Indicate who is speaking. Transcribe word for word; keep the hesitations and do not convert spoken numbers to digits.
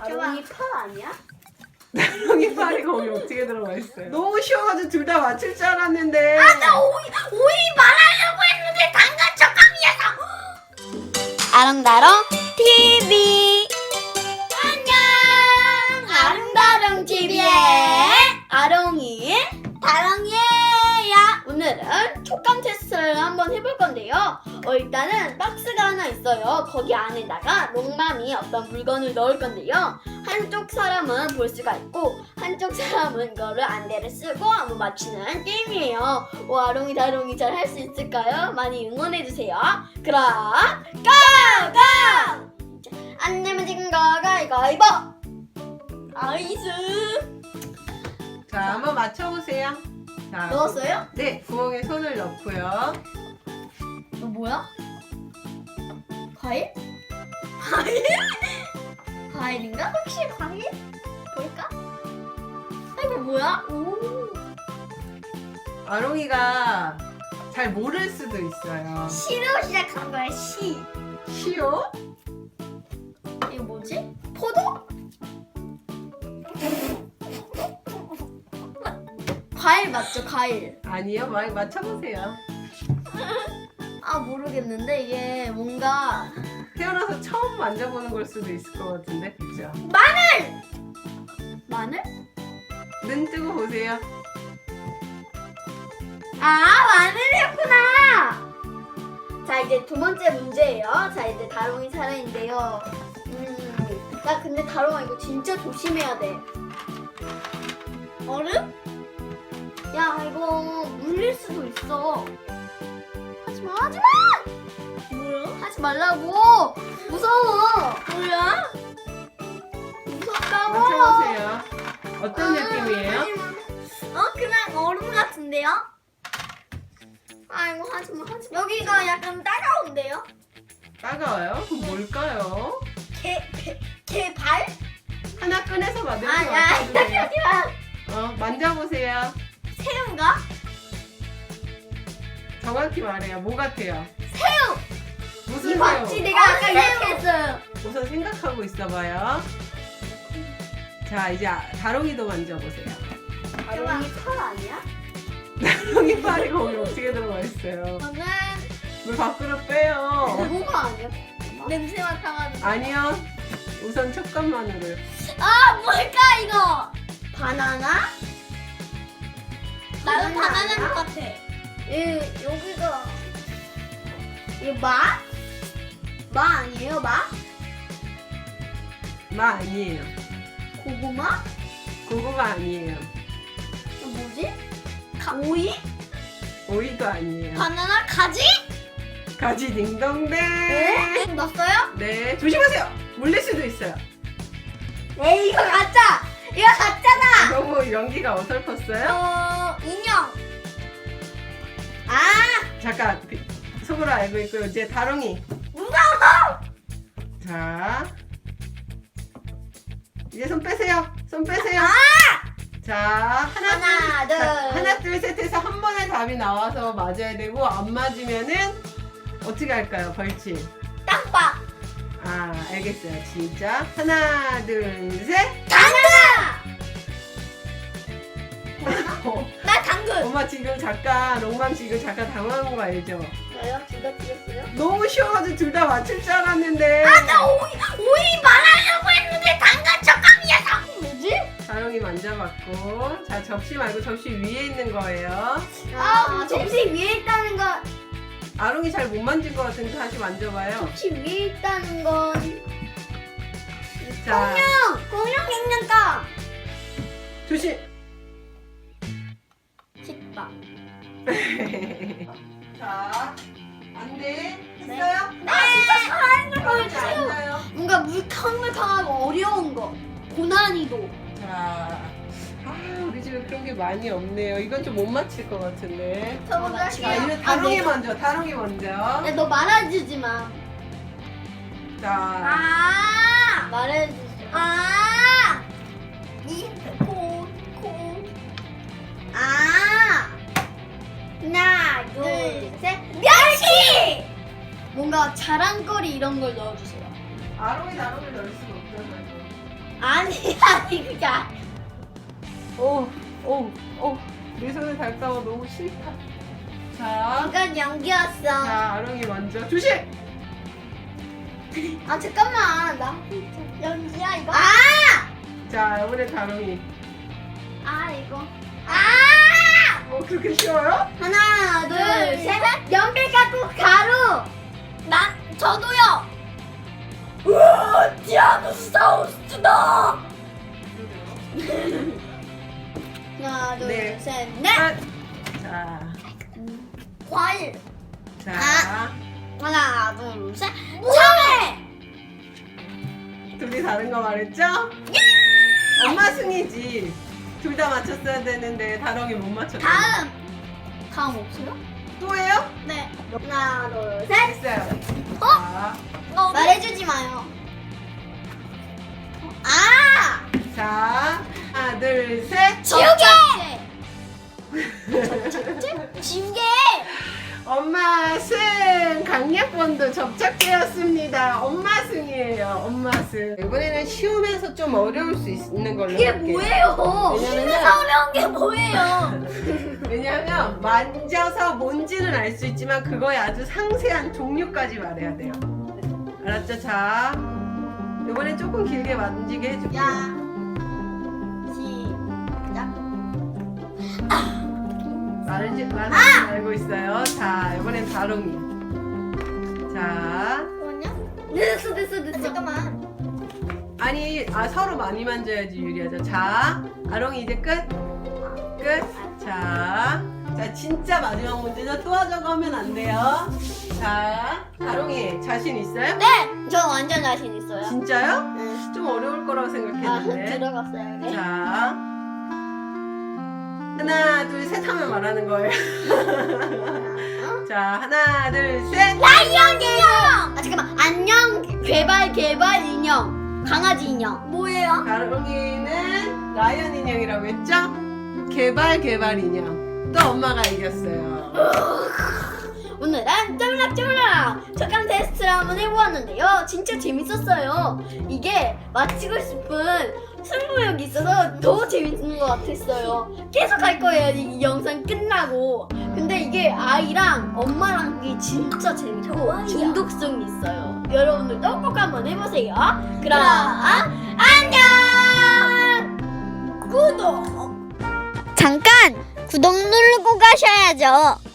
Speaker 1: 다롱이 팔 아니야?
Speaker 2: 다롱이 팔이 거기 어떻게 들어가 있어요? 너무 쉬워가지고 둘 다 맞출 줄 알았는데.
Speaker 1: 아, 나 오이, 오이 말하려고 했는데 당근 척감이어서. 아롱다롱 티비. 안녕. 아롱다롱 티비의 아롱이 다롱이에요. 오늘은 촉감 테스트를 한번 해볼 건데요. 어, 일단은 박스가 하나 있어요. 거기 안에다가 롱맘이 어떤 물건을 넣을 건데요. 한쪽 사람은 볼 수가 있고 한쪽 사람은 이거를 안대를 쓰고 한번 맞추는 게임이에요. 오, 아롱이 다롱이 잘 할 수 있을까요? 많이 응원해주세요. 그럼 고고! 안 내면 지금 거가 이거 이거 아이스.
Speaker 2: 자, 한번 맞춰보세요. 자,
Speaker 1: 넣었어요?
Speaker 2: 네, 구멍에 손을 넣고요.
Speaker 1: 이거 뭐야? 과일? 과일? 과일인가? 혹시 과일? 볼까? 아, 이거 뭐야? 오.
Speaker 2: 아롱이가 잘 모를 수도 있어요.
Speaker 1: 시로 시작한 거야, 시.
Speaker 2: 시오?
Speaker 1: 이거 뭐지? 포도? 과일 맞죠, 과일.
Speaker 2: 아니요, 많이 맞춰보세요.
Speaker 1: 아, 모르겠는데 이게 뭔가
Speaker 2: 태어나서 처음 만져보는 걸 수도 있을 것 같은데, 그죠?
Speaker 1: 마늘! 마늘?
Speaker 2: 눈 뜨고 보세요.
Speaker 1: 아, 마늘이었구나! 자, 이제 두 번째 문제예요. 자, 이제 다롱이 차례인데요. 음, 나 근데 다롱아 이거 진짜 조심해야 돼. 얼음? 야, 이거 물릴 수도 있어. 하지마, 하지마! 뭐야? 하지 말라고! 무서워! 뭐야? 무섭다고!
Speaker 2: 맞춰보세요. 어떤
Speaker 1: 아,
Speaker 2: 느낌이에요?
Speaker 1: 하지마. 어? 그냥 얼음 같은데요? 아이고, 하지마, 하지마. 여기가 약간 따가운데요?
Speaker 2: 따가워요? 그럼 뭘까요?
Speaker 1: 개, 개, 개 발?
Speaker 2: 하나 꺼내서 만들고
Speaker 1: 아, 야,
Speaker 2: 맞춰주세요.
Speaker 1: 하지마.
Speaker 2: 어, 만져보세요.
Speaker 1: 새우인가?
Speaker 2: 정확히 말해요. 뭐 같아요?
Speaker 1: 새우!
Speaker 2: 무슨
Speaker 1: 이 봤지?
Speaker 2: 새우?
Speaker 1: 내가 아까 이렇게 했어요.
Speaker 2: 우선 생각하고 있어봐요. 자, 이제 아- 다롱이도 만져보세요.
Speaker 1: 다롱이 털 아니야?
Speaker 2: 다롱이 팔이 거기 어떻게 들어가 있어요?
Speaker 1: 저는
Speaker 2: 물 밖으로 빼요.
Speaker 1: 뭐가 아니야? 냄새 맡아가지고.
Speaker 2: 아니요. 우선 촉감만으로요.
Speaker 1: 아, 뭘까 이거? 바나나? 나는
Speaker 2: 바나나
Speaker 1: 바나나인 것 같아. 이 여기가 이 마? 마 아니에요, 마?
Speaker 2: 마 아니에요.
Speaker 1: 고구마?
Speaker 2: 고구마 아니에요.
Speaker 1: 이거 뭐지? 가, 오이?
Speaker 2: 오이도 아니에요.
Speaker 1: 바나나? 가지?
Speaker 2: 가지 딩동댕.
Speaker 1: 네? 넣었어요?
Speaker 2: 네, 조심하세요. 물릴 수도 있어요.
Speaker 1: 에이, 이거 가짜! 이거 가짜다!
Speaker 2: 너무 연기가 어설펐어요?
Speaker 1: 어, 인형. 아,
Speaker 2: 잠깐 그, 속으로 알고 있고요. 이제 다롱이.
Speaker 1: 무서워!
Speaker 2: 자, 이제 손 빼세요. 손 빼세요.
Speaker 1: 아!
Speaker 2: 자, 하나,
Speaker 1: 하나,
Speaker 2: 둘,
Speaker 1: 둘.
Speaker 2: 자, 하나, 둘, 셋 해서 한 번에 답이 나와서 맞아야 되고 안 맞으면은 어떻게 할까요? 벌칙.
Speaker 1: 땅밥.
Speaker 2: 아, 알겠어요. 진짜. 하나, 둘, 셋.
Speaker 1: 당근!
Speaker 2: 어,
Speaker 1: 나 당근.
Speaker 2: 엄마 지금 잠깐, 롱맘 지금 잠깐 당황한 거 알죠?
Speaker 1: 왜요? 둘다 틀렸어요?
Speaker 2: 너무 쉬워가지고 둘 다 맞출 줄 알았는데.
Speaker 1: 아, 나 오이, 오이 말하려고 했는데 당근 촉감이어서. 뭐지?
Speaker 2: 다롱이 만져봤고. 자, 접시 말고 접시 위에 있는 거예요.
Speaker 1: 아, 접시 위에 있다는 건,
Speaker 2: 아롱이 잘 못 만진 것 같은데 다시 만져봐요.
Speaker 1: 접시 위에 있다는 건.
Speaker 2: 자,
Speaker 1: 공룡! 공룡 생겼다!
Speaker 2: 조심.
Speaker 1: 식빵.
Speaker 2: 자, 안 돼. 했어요?
Speaker 1: 네! 진짜 살아있는 걸
Speaker 2: 그렇지
Speaker 1: 치우!
Speaker 2: 않아요.
Speaker 1: 뭔가 물캉물캉하고 어려운 거. 고난이도.
Speaker 2: 자, 아, 우리 집에 그런 게 많이 없네요. 이건 좀 못 맞힐 것 같은데.
Speaker 1: 저거
Speaker 2: 자, 이제 다롱이 먼저, 다롱이 먼저.
Speaker 1: 야, 너 말해주지 마.
Speaker 2: 자,
Speaker 1: 아! 말해주지 마. 아! 이, 코, 코. 아! 하나, 둘, 셋. 멸치! 뭔가 자랑거리 이런 걸 넣어주세요.
Speaker 2: 아롱이 다롱을 넣을 수가 없잖아요.
Speaker 1: 아니 아니 그게 아니.
Speaker 2: 오, 오, 오. 내 손에 닿을까봐 너무 싫다. 자,
Speaker 1: 이건 연기였어.
Speaker 2: 자, 아롱이 먼저. 조심!
Speaker 1: 아 잠깐만 나 연기야 이거. 아!
Speaker 2: 자, 이번에 다롱이.
Speaker 1: 아 이거. 아!
Speaker 2: 어, 그렇게 쉬워요?
Speaker 1: 하나 둘 셋. 연필 갖고 가루. 나 저도요. 우와 디아노사우루스다. 하나 둘
Speaker 2: 네.
Speaker 1: 셋 넷.
Speaker 2: 아, 자,
Speaker 1: 과일.
Speaker 2: 자.
Speaker 1: 아. 하나 둘 셋. 참외.
Speaker 2: 둘이 다른 거 말했죠? 엄마 승이지. 둘 다 맞췄어야 되는데 다롱이 못 맞췄어.
Speaker 1: 다음. 다음 없어요?
Speaker 2: 또 해요?
Speaker 1: 네. 하나 둘 셋.
Speaker 2: 됐어요.
Speaker 1: 어?
Speaker 2: 자,
Speaker 1: 말해주지 마요. 아!
Speaker 2: 자, 하나, 둘, 셋.
Speaker 1: 지우개! 지우개!
Speaker 2: 엄마 승! 강약본도 접착되었습니다. 엄마 승이에요. 엄마 승. 이번에는 쉬우면서 좀 어려울 수 있는 걸로
Speaker 1: 그게
Speaker 2: 할게요.
Speaker 1: 뭐예요?
Speaker 2: 왜냐면은-
Speaker 1: 심해서 어려운 게 뭐예요?
Speaker 2: 왜냐하면 만져서 뭔지는 알 수 있지만 그거의 아주 상세한 종류까지 말해야 돼요. 알았죠? 자, 이번엔 조금 길게 만지게 해줄게요.
Speaker 1: 야. 시작.
Speaker 2: 말지 말지
Speaker 1: 아!
Speaker 2: 알고 있어요. 자, 이번엔 다롱이. 자,
Speaker 1: 뭐냐? 됐어, 됐어, 됐어. 잠깐만.
Speaker 2: 아니, 아 서로 많이 만져야지 유리하죠. 자, 아롱이 이제 끝. 끝. 자, 자 진짜 마지막 문제죠. 또 하자고 하면 안 돼요. 자, 다롱이 자신 있어요?
Speaker 1: 네! 저 완전 자신 있어요.
Speaker 2: 진짜요?
Speaker 1: 네.
Speaker 2: 좀 어려울 거라고
Speaker 1: 아,
Speaker 2: 생각했는데.
Speaker 1: 들어갔어요. 네.
Speaker 2: 자, 하나, 둘, 셋 하면 말하는 거예요. 자, 하나, 둘, 셋.
Speaker 1: 라이언 인형! 아, 잠깐만. 안녕, 개발, 개발 인형. 강아지 인형. 뭐예요?
Speaker 2: 다롱이는 라이언 인형이라고 했죠? 개발 개발 인형. 또 엄마가 이겼어요.
Speaker 1: 오늘은 쫄락쫄락 촉감 테스트를 한번 해보았는데요. 진짜 재밌었어요. 이게 맞히고 싶은 승부욕이 있어서 더 재밌는 것 같았어요. 계속 할 거예요, 이 영상 끝나고. 근데 이게 아이랑 엄마랑 하기 진짜 재밌고 중독성이 있어요. 여러분들도 꼭 한번 해보세요. 그럼 안녕! 구독! 잠깐! 구독 누르고 가셔야죠.